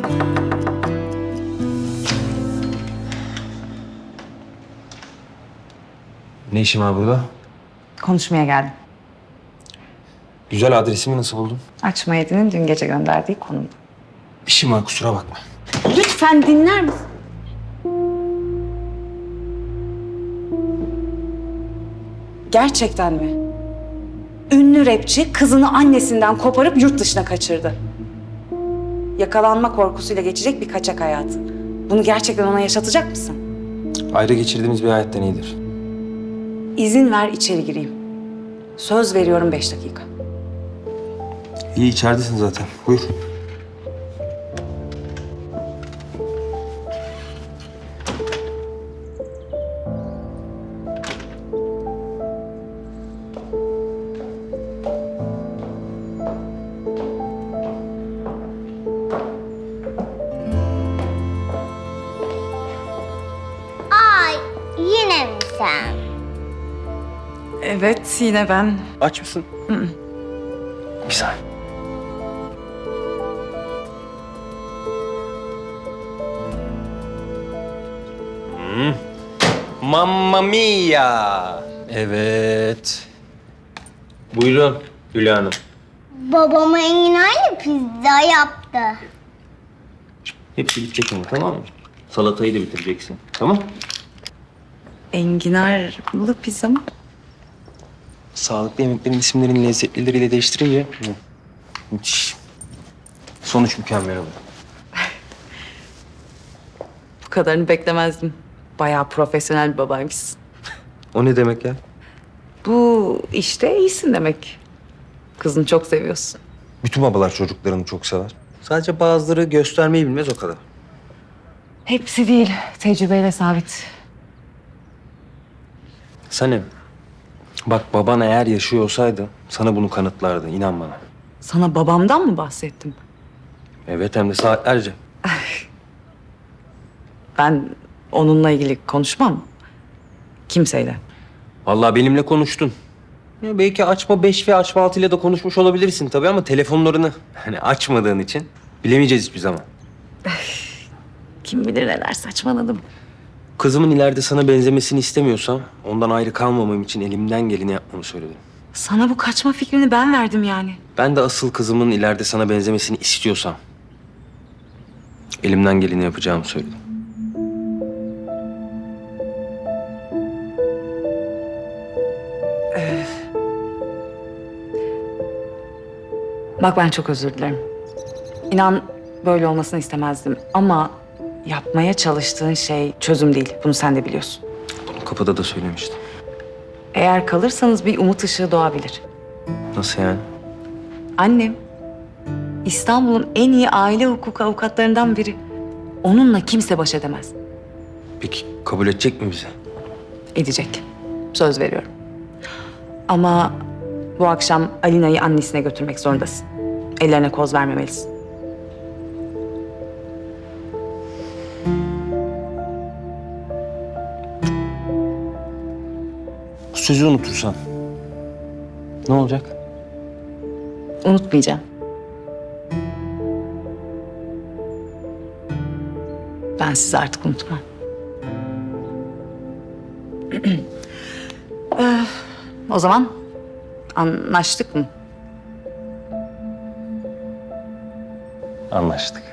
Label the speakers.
Speaker 1: Ne işin var burada?
Speaker 2: Konuşmaya geldim.
Speaker 1: Güzel, adresimi nasıl buldun?
Speaker 2: Açma Yedi'nin dün gece gönderdiği konumda.
Speaker 1: İşim var, kusura bakma.
Speaker 2: Lütfen dinler misin? Gerçekten mi? Ünlü rapçi kızını annesinden koparıp yurt dışına kaçırdı. Yakalanma korkusuyla geçecek bir kaçak hayatı. Bunu gerçekten ona yaşatacak mısın?
Speaker 1: Ayrı geçirdiğimiz bir hayattan iyidir.
Speaker 2: İzin ver içeri gireyim. Söz veriyorum 5 dakika.
Speaker 1: İyi, içeridesin zaten. Buyur.
Speaker 3: Ay, yine mi sen?
Speaker 2: Evet, yine ben.
Speaker 1: Aç mısın? Bir saniye. Mamma mia! Evet. Buyurun Hülya Hanım.
Speaker 3: Babama enginarlı pizza yaptı.
Speaker 1: Hepsi bitecek ama, tamam mı? Salatayı da bitireceksin. Tamam?
Speaker 2: Enginarlı pizza mı?
Speaker 1: Sağlıklı yemeklerin isimlerini lezzetlileriyle değiştirince müthiş. Sonuç mükemmel oldu.
Speaker 2: Bu kadarını beklemezdim. Bayağı profesyonel bir babaymışsın.
Speaker 1: O ne demek ya?
Speaker 2: Bu işte iyisin demek. Kızını çok seviyorsun.
Speaker 1: Bütün babalar çocuklarını çok sever. Sadece bazıları göstermeyi bilmez, o kadar.
Speaker 2: Hepsi değil. Tecrübeyle sabit.
Speaker 1: Sanem, bak baban eğer yaşıyor olsaydı sana bunu kanıtlardı, inan bana.
Speaker 2: Sana babamdan mı bahsettim?
Speaker 1: Evet, hem de saatlerce.
Speaker 2: Ben onunla ilgili konuşmam. Kimseyle.
Speaker 1: Vallahi benimle konuştun. Ya belki açma 5 ve açma 6 ile de konuşmuş olabilirsin tabii ama telefonlarını hani açmadığın için bilemeyeceğiz hiçbir zaman.
Speaker 2: Kim bilir neler saçmaladım.
Speaker 1: Kızımın ileride sana benzemesini istemiyorsam ondan ayrı kalmamam için elimden geleni yapmamı söyledim.
Speaker 2: Sana bu kaçma fikrini ben verdim yani.
Speaker 1: Ben de asıl kızımın ileride sana benzemesini istiyorsam elimden geleni yapacağımı söyledim.
Speaker 2: Bak ben çok özür dilerim. İnan böyle olmasını istemezdim ama yapmaya çalıştığın şey çözüm değil. Bunu sen de biliyorsun.
Speaker 1: Bunu kapıda da söylemiştim.
Speaker 2: Eğer kalırsanız bir umut ışığı doğabilir.
Speaker 1: Nasıl yani?
Speaker 2: Annem İstanbul'un en iyi aile hukuku avukatlarından biri. Onunla kimse baş edemez.
Speaker 1: Peki kabul edecek mi bizi?
Speaker 2: Edecek. Söz veriyorum. Ama bu akşam Alina'yı annesine götürmek zorundasın. Ellerine koz vermemelisin.
Speaker 1: Bu sözü unutursan ne olacak?
Speaker 2: Unutmayacağım. Ben sizi artık unutmam. O zaman anlaştık mı?
Speaker 1: Anlaştık.